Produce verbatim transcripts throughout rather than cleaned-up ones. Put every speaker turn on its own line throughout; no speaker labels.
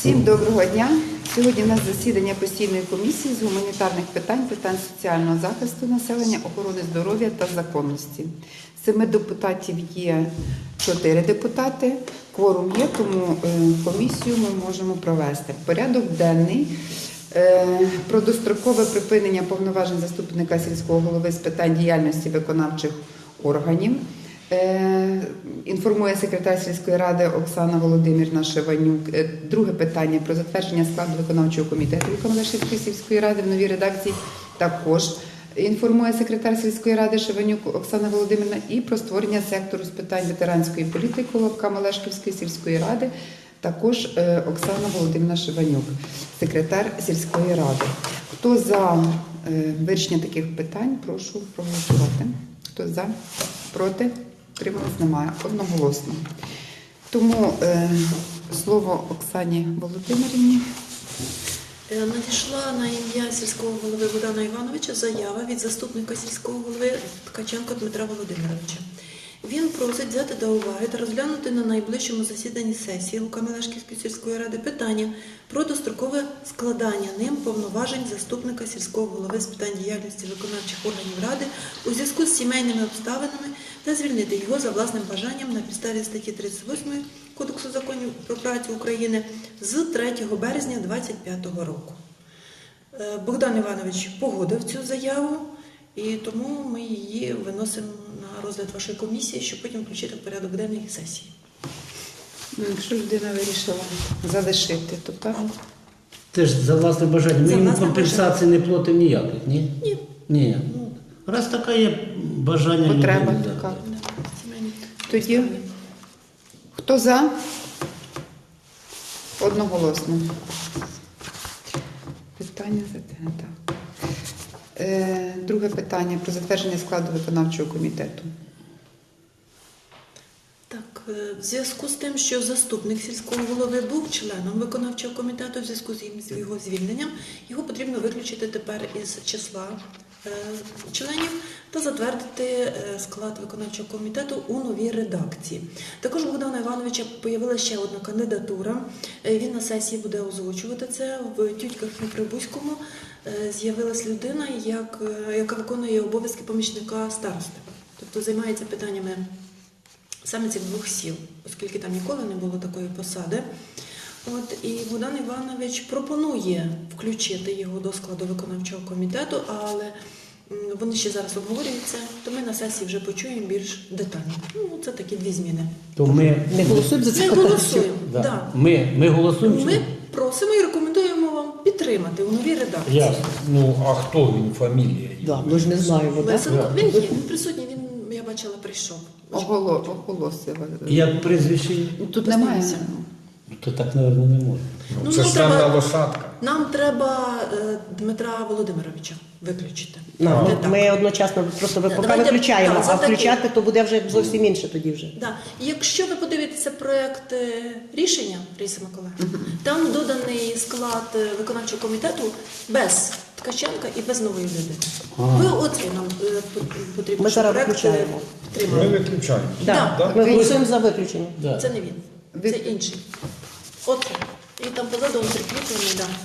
Всім доброго дня! Сьогодні у нас засідання постійної комісії з гуманітарних питань, питань соціального захисту населення, охорони здоров'я та законності. З семи депутатів є чотири депутати, кворум є, тому комісію ми можемо провести. Порядок денний про дострокове припинення повноважень заступника сільського голови з питань діяльності виконавчих органів. Інформує секретар сільської ради Оксана Володимирівна Шеванюк. Друге питання про затвердження складу виконавчого комітету Камелешівської сільської ради в новій редакції. Також інформує секретар сільської ради Шеванюк Оксана Володимирівна. І про створення сектору з питань ветеранської політики Камелешівської сільської ради. Також Оксана Володимирівна Шеванюк, секретар сільської ради. Хто за вирішення таких питань, прошу проголосувати. Хто за? Проти? Утрималось? Немає. Одноголосно. Тому е, слово Оксані Володимирівні.
Надійшла на ім'я сільського голови Богдана Івановича заява від заступника сільського голови Ткаченка Дмитра Володимировича. Він просить взяти до уваги та розглянути на найближчому засіданні сесії Камелешівської сільської ради питання про дострокове складання ним повноважень заступника сільського голови з питань діяльності виконавчих органів ради у зв'язку з сімейними обставинами та звільнити його за власним бажанням на підставі статті тридцять восьмої Кодексу законів про працю України з третього березня дві тисячі двадцять п'ятого року. Богдан Іванович погодив цю заяву, і тому ми її виносимо на розгляд вашої комісії, щоб потім включити в порядок денний сесії.
Якщо людина вирішила залишити, то так.
Це ж за власне бажання. Ми
За
йому
власне
компенсації не платимо ніяких, ні?
Ні.
Ні. Ну, раз така є бажання
Потреба
людини,
така.
так.
Тоді, хто за? Одноголосно. Питання за те, так. Е, друге питання про затвердження складу виконавчого комітету.
Так, в зв'язку з тим, що заступник сільського голови був членом виконавчого комітету, в зв'язку з його звільненням, його потрібно виключити тепер із числа е, членів та затвердити е, склад виконавчого комітету у новій редакції. Також у Богдана Івановича появилася ще одна кандидатура. Е, він на сесії буде озвучувати це. В Тютьках і Прибузькому е, з'явилась людина, як, е, яка виконує обов'язки помічника старости. Тобто займається питаннями саме цих двох сіл, оскільки там ніколи не було такої посади. От, і Богдан Іванович пропонує включити його до складу виконавчого комітету, але вони ще зараз обговорюються, то ми на сесії вже почуємо більш детально. Ну, це такі дві зміни.
То ми
Не голосуємо за це
Ми
питання?
голосуємо.
Да.
Да.
Ми, ми голосуємо? чи
Ми
ні?
просимо і рекомендуємо вам підтримати у новій редакції.
Ясно. Ну, а хто він, фамілія?
Да, ми ж не знаємо, так?
Лесенко, він є, він присутній, він, я бачила, прийшов.
Оголо, оголосила.
Як прізвище?
Тут немає.
Познайомся.
То так, мабуть, не можна.
Ну,
Ну,
це
нам
ж темна
треба-
лошадка.
Нам треба е, Дмитра Володимировича виключити.
Ну,
Не так.
ми одночасно просто ви
Да,
поки
давайте-
виключаємо,
так, за
а
такий.
включати то буде вже зовсім інше тоді вже.
Да. Якщо ви подивитеся проєкт е, рішення, Раїса Миколаївна, там доданий склад е, виконавчого комітету без Ткаченка і без нової людини.
Ага.
Ви оцей нам е, потрібно,
Ми
щоб
зараз
проєкт, е,
виключаємо.
Ми
підтримали.
виключаємо.
Да.
Да.
Ми голосуємо за виключення.
Да.
Це не він,
Ви-
це інший. Оце. І там позаду він прикріплений, да.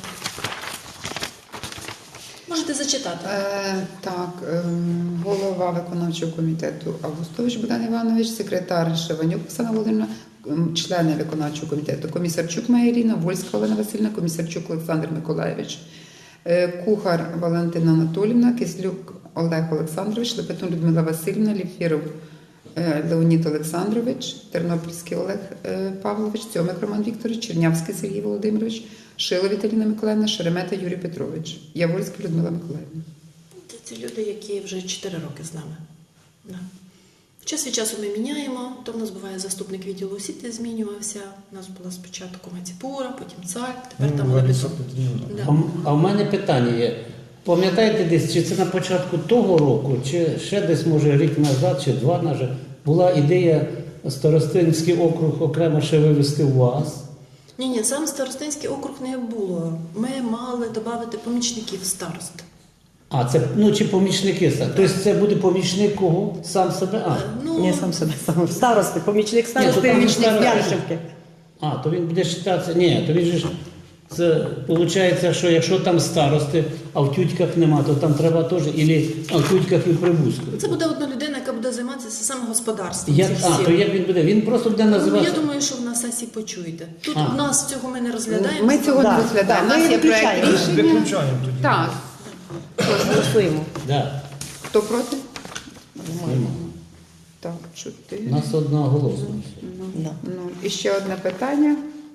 Можете зачитати.
Е, так, е, голова виконавчого комітету Августович Богдан Іванович, секретар Шеванюк Оксана Володимирівна, м, члени виконавчого комітету Комісарчук Майя Ірина, Вольська Олена Васильівна, Комісарчук Олександр Миколайович, е, Кухар Валентина Анатолівна, Кислюк Олег Олександрович, Лепетун Людмила Васильівна, Ліфіров е, Леонід Олександрович, Тернопільський Олег е, Павлович, Цьомик Роман Вікторович, Чернявський Сергій Володимирович, Шило Віталіна Миколаївна, Шеремета Юрій Петрович, Яворська Людмила Миколаївна.
Це ці люди, які вже чотири роки з нами. Да. Час від часу ми міняємо, то в нас буває заступник відділу освіти змінювався, у нас була спочатку Маціпура, потім Цар, тепер там
Ну,
Лебедов.
Лариса Петрівна.
Да.
А, м- а в мене питання є. Пам'ятаєте десь, чи це на початку того року, чи ще десь, може, рік назад, чи два назад, була ідея Старостинський округ окремо ще вивести у вас?
Ні, ні, сам Старостинський округ не було. Ми мали додати помічників старост.
А, це, ну, чи помічники? Тобто це буде помічник кого? Сам себе? А.
Е, Ну,
Ні, сам себе, сам старости, помічник
Ні,
старости,
то там
помічник
старости.
Яришевки.
А, то він буде вважатися. Ні, то він же ж. Це виходить, що якщо там старости, а в тютьках нема, то там треба теж, ілі а в тютьках і в Прибузьку.
Це буде одна людина, яка буде займатися саме господарством.
Як,
цих
а,
сіл.
то як він буде? Він просто буде
Ну,
називатися.
я думаю, що в на сесії почуєте. Тут
А.
в нас цього ми не розглядаємо.
Ми цього
Да,
не розглядаємо.
да,
У нас
ми
є проект
виключаємо.
рішення.
Виключаємо тоді.
Так.
Голосуємо.
Да.
Хто проти?
Нема.
Так, чотири.
У нас одноголосно.
Да.
Ну, і ще одне питання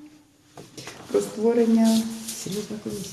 про створення.
Серйозна комісія.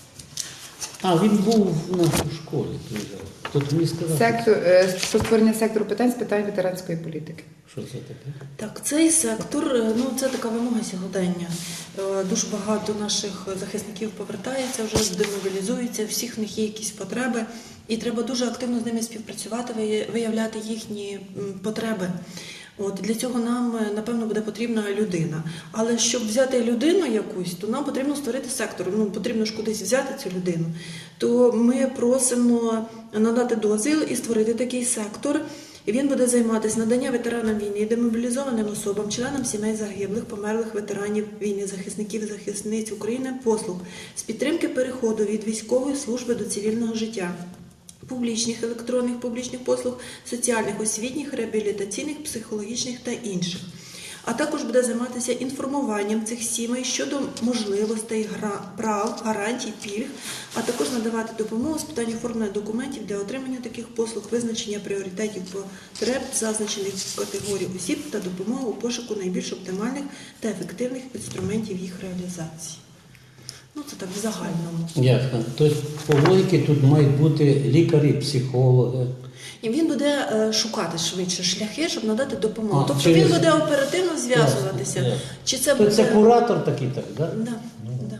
А, він був у нас у школі. Тут мені сказав,
Сектор, е, про створення сектору питань з питань ветеранської політики.
що це таке.
Так, цей сектор, е, ну це така вимога сьогодення. Е, Дуже багато наших захисників повертається, вже демобілізуються, всіх в них є якісь потреби, і треба дуже активно з ними співпрацювати, вия- виявляти їхні м, потреби. От для цього нам е, напевно буде потрібна людина. Але щоб взяти людину якусь, то нам потрібно створити сектор. Ну потрібно ж кудись взяти цю людину. То ми просимо надати дозвіл і створити такий сектор. І він буде займатися наданням ветеранам війни, демобілізованим особам, членам сімей загиблих, померлих ветеранів війни, захисників і захисниць України послуг з підтримки переходу від військової служби до цивільного життя, публічних, електронних публічних послуг, соціальних, освітніх, реабілітаційних, психологічних та інших. А також буде займатися інформуванням цих сімей щодо можливостей, гра- прав, гарантій, пільг, а також надавати допомогу з питань оформлення документів для отримання таких послуг, визначення пріоритетів потреб зазначених категорій осіб та допомогу у пошуку найбільш оптимальних та ефективних інструментів їх реалізації. Ну, це так в загальному.
Ясно. Тобто по логіки тут мають бути лікарі, психологи.
І він буде е, шукати швидше шляхи, щоб надати допомогу.
А,
тобто
через-
він буде оперативно зв'язуватися.
Ясно, ясно.
Чи це
То
буде...
це куратор такий, так? Да?
Да, да.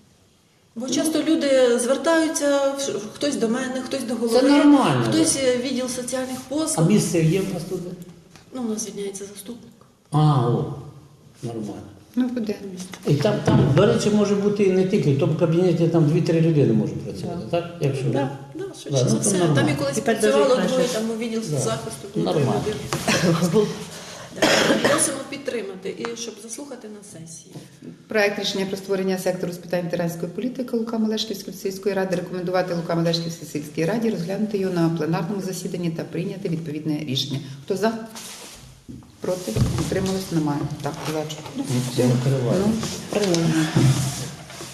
Бо часто люди звертаються, хтось до мене, хтось до голови,
Це нормально.
хтось е, відділ соціальних
А
послуг.
місце є в нас тут?
Ну, у нас звільняється заступник.
А, о, нормально.
Ну, буде.
І там, там, до речі, може бути і не тільки, в тому кабінеті там дві-три людини можуть працювати, так? Якщо
Да, да, швидше
Да,
за
ну, то
все.
нормально.
Там і колись
Тепер
працювало
даже
двоє,
краще.
там у відділ
Да.
захисту було
Нормально.
три людини. Так, Просимо підтримати і щоб заслухати на сесії.
Проект рішення про створення сектору з питань ветеранської політики Лука-Мелешківської сільської ради рекомендувати Лука-Мелешківській сільській раді розглянути його на пленарному засіданні та прийняти відповідне рішення. Хто за? Проти? Утрималось? Немає. Так, за. Ну, все.
Закриваємо.
Ну,
Прийняли.